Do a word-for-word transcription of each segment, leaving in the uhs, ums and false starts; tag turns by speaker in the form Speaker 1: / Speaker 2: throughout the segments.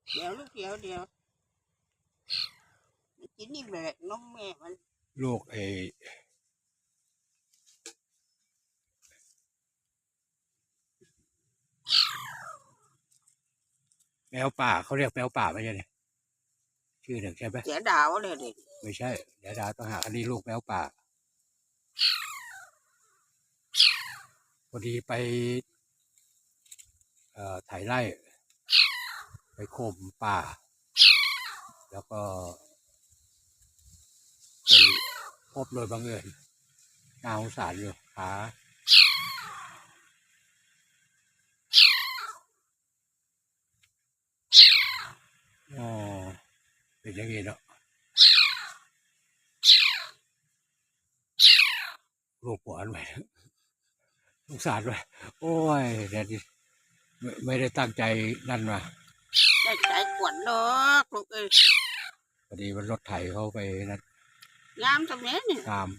Speaker 1: เดี๋ยวลูกเดี๋ยวเดี๋ยวกินนี่แบกน้องแม่มัน
Speaker 2: ลูกไอแมวป่าเขาเรียกแมวป่าไม่ใช่เนี่ยชื่อหนึ่งใช่ไหม
Speaker 1: เสียดาวเลยเด็ก
Speaker 2: ไม่ใช่เดี๋ยวดาต้องหาอันนี้ลูกแมวป่าพอดีไปเอ่อถ่ายไร่ไปโคมป่าแล้วก็ไปพบโดยบังเอิญน่าสงสารอยู่ขาอ๋อเป็นอย่างนี้เนาะลูกปวดไปสงสารไปโอ้ยเดี๋ยวนี้ไม่ไม่ได้ตั้งใจนั่นมา
Speaker 1: ได้ใจกวนดอกลูกเอ้ย
Speaker 2: พอดีมันรถไถเข้าไปนั่น
Speaker 1: งามทำไมเนี่ย
Speaker 2: ตาม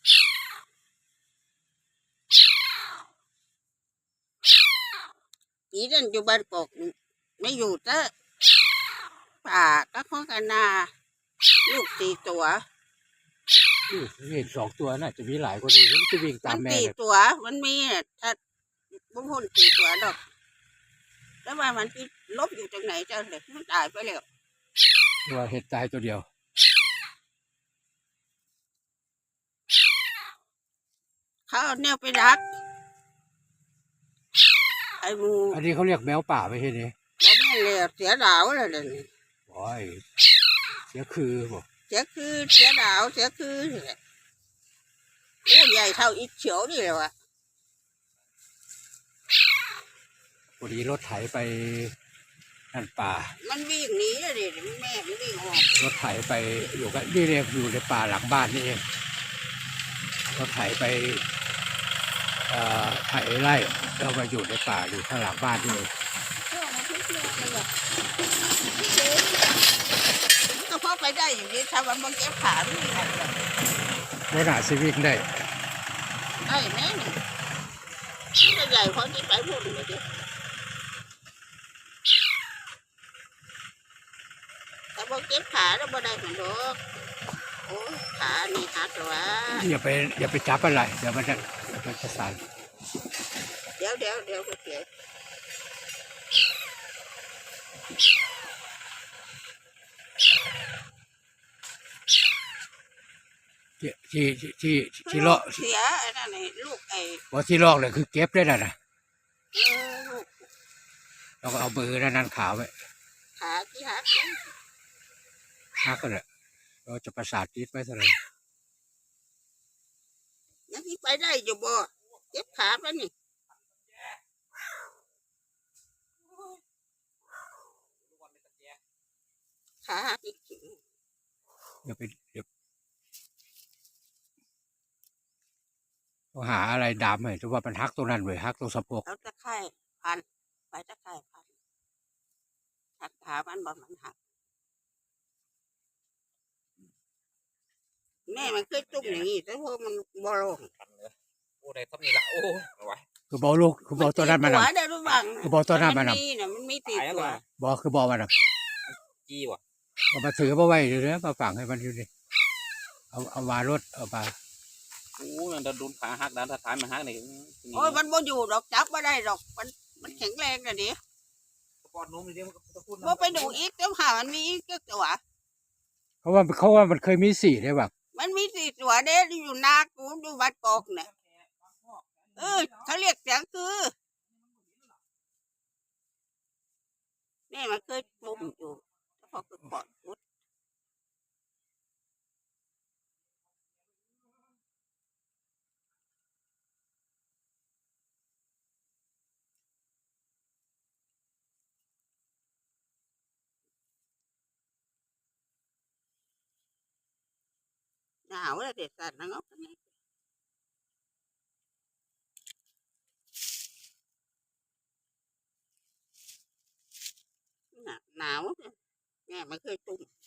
Speaker 1: ปีนั้นอยู่บ้านกอกไม่อยู่เจ้าป่าก็ข้องกันนาลูกสี่ตัว
Speaker 2: เห็นสองตัวน่ะจะมีหลายคนอีกมันจะวิ่งตามแม่
Speaker 1: สี่ตัวมันมีถ้าบุ้งหุ่นสี่ตัวดอกแล้วว่ามันที่ลบอยู่ตรงไหนเจ้าเด็กมันตายไปแล้ว
Speaker 2: ว่าเห็ดตายตัวเดียว
Speaker 1: เขาเอาแนวไปรักไอ้มู
Speaker 2: อันนี้เขาเรียกแมวป่าไม่ใช่เนี่ย
Speaker 1: บอกแม่เลยเสียดาวเลยเลย
Speaker 2: โอ้ยเสียคือบอก
Speaker 1: เสียคือเสียดาวเสียคือโอ้ใหญ่เท่าอีเฉียวนี่เลยวะ
Speaker 2: พอดีรถไถไปนั่นป่า
Speaker 1: มันวิ่งหนีเลยแม่มันวิ่งออก
Speaker 2: รถไถไปอยู่กันนี่เรียกอยู่ในป่าหลังบ้านนี่เองรถไถไปไถไร่เรามาอยู่ในป่าอยู่ข้างหลังบ้านนี่เอง
Speaker 1: ก็พอไปได้อย่างนี้ชาวบ้านบางแก้วขาไม่ได้
Speaker 2: รถหนาซีวิกได้
Speaker 1: ได้แม่นี่ที่ใหญ่พอที่ไปพูดเลยดิแต่บางแก้วขาเราไม่ได้เหมือนดอกโอ้ขานี่หักหรอวะ
Speaker 2: อย่าไปอย่าไปจับอะไรเดี๋ยวมันจะมันจะสั่น
Speaker 1: เดี๋ยวเดี๋ยวเดี๋ยวก็เสีย
Speaker 2: ที่ที่ที่ที่ลอก
Speaker 1: เสียไอ้นั่นไอ้ลูกไอ้
Speaker 2: ว่าที่ลอกเลยคือเก็บได้น่ะนะ
Speaker 1: เออลูก
Speaker 2: เราก็เอามือนั่นนั่นขาวไว้
Speaker 1: ขาที่หัก
Speaker 2: หักก็เลยเราจะประสาทติดไว้เท่านั้น
Speaker 1: ยังที่ไปได้อยู่บ่เก็บขาไปนี่ขาหักอีก
Speaker 2: อย่าไปเดี๋ยวต้องหาอะไรดามให้ถือว่ามันหักตรงนั้นเลยหักตรงสะโพก
Speaker 1: แล้วตะไคร่พันไปตะไคร่พันหักขามันบ่มันหักแม่มันเคยจุ่มอย่างนี้แต่พวกมันบ่ลง
Speaker 3: โอ้ได้ทับนี่ละโอ้เอาไว้
Speaker 2: คือบอกลูกคือบอกตัวนั้นมัน
Speaker 1: นะ
Speaker 2: คือบอกตัวนั้นมันนะ
Speaker 1: มันมีตีตัว
Speaker 2: บอกคือบอกมันนะ
Speaker 3: จี้วะ
Speaker 2: เอามาถือมาไว้เดี๋ยวนี้มาฝังให้มันอยู่ดิเอาเอามารถเอามา
Speaker 3: โอ้ยมันโดนขาหักด้านท้ายมันหักนี่
Speaker 1: โอ้ยมันบ่อยู่ดอกจับไม่ได้ดอกมันมันแข็งแรงนะดิ
Speaker 3: ปอดนุ่มเลยเดี๋ยวมันจะพูด
Speaker 1: ว่าไปดูอีกเจ้าหามันมีอีกตัว
Speaker 2: เพราะว่าเขาว่ามันเคยมีสี่ได้แบบ
Speaker 1: มันมีสี่ตัวเด้อยู่นากูอยู่บ้านกอกเนี่ยเออเขาเรียกเสียงคือแม่มันเคยปุ่มอยู่พอคือปอดมุดหนาวเลยเด็ดสัตว์นะงอกนี่หนาวแม่ไม่เคยตุ่ม